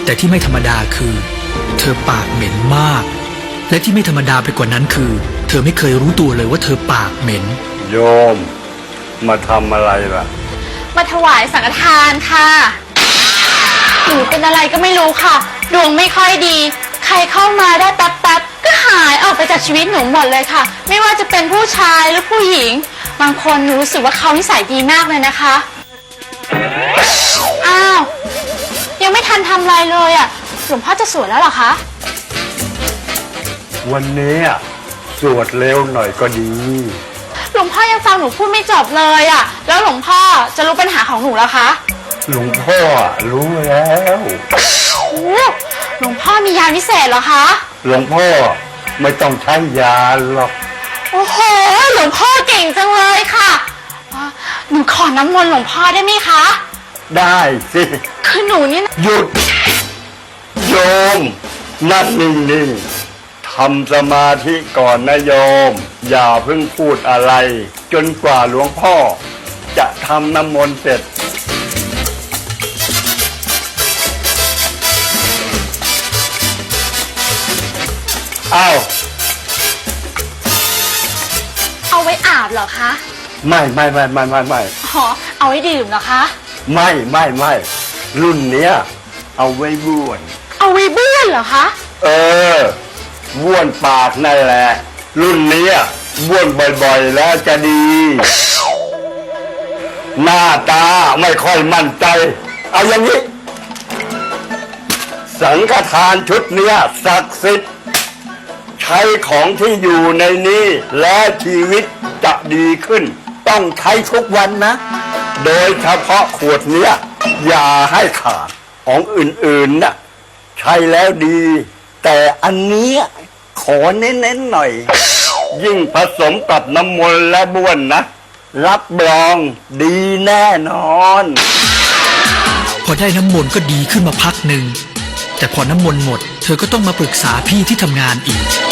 แต่ที่ไม่ธรรมดาคือ เธอปากเหม็นมาก และที่ไม่ธรรมดาไปกว่านั้นคือ เธอไม่เคยรู้ตัวเลยว่าเธอปากเหม็นโยมมาทำอะไรล่ะมาถวายสังฆทานค่ะหนูเป็นอะไรก็ไม่รู้ค่ะดวงไม่ค่อยดีใครเข้ามาได้แป๊บๆก็หายออกไปจากชีวิตหนูหมดเลยค่ะไม่ว่าจะเป็นผู้ชายหรือผู้หญิงบางคนหนูรู้สึกว่าเขานิสัยดีมากเลยนะคะอ้าวยังไม่ทันทำอะไรเลยอ่ะหลวงพ่อจะสวดแล้วเหรอคะวันนี้สวดเร็วหน่อยก็ดีหลวงพ่อยังฟังหนูพูดไม่จบเลยอ่ะแล้วหลวงพ่อจะรู้ปัญหาของหนูแล้วคะหลวงพ่อรู้แล้วหลวงพ่อมียาพิเศษเหรอคะหลวงพ่อไม่ต้องใช้ยาหรอกโอ้โหหลวงพ่อเก่งจังเลยค่ะหนูขอน้ำมนต์หลวงพ่อได้ไหมคะได้สิคือหนูนี่หยุดโยมนั่งนิ่งๆทำสมาธิก่อนนะโยมอย่าเพิ่งพูดอะไรจนกว่าหลวงพ่อจะทำน้ำมนต์เสร็จเอาไว้อาบเหรอคะไม่อ๋อเอาไว้ดื่มเหรอคะไม่รุ่นเนี้ยเอาไว้บ้วนเอาไว้บ้วนเหรอคะบ้วนปากนั่นแหละรุ่นนี้บ้วนบ่อยๆแล้วจะดีหน้าตาไม่ค่อยมั่นใจเอาอย่างนี้สังฆทานชุดเนี้ยศักดิ์สิทธิ์ใช้ของที่อยู่ในนี้และชีวิตจะดีขึ้นต้องใช้ทุกวันนะโดยเฉพาะขวดเนี้ยอย่าให้ขาดของอื่นๆน่ะใช้แล้วดีแต่อันนี้ขอเน้นๆหน่อยยิ่งผสมกับน้ำมนต์และบ้วนนะรับรองดีแน่นอนพอได้น้ำมนต์ก็ดีขึ้นมาพักหนึ่งแต่พอน้ำมนต์หมดเธอก็ต้องมาปรึกษาพี่ที่ทำงานอีก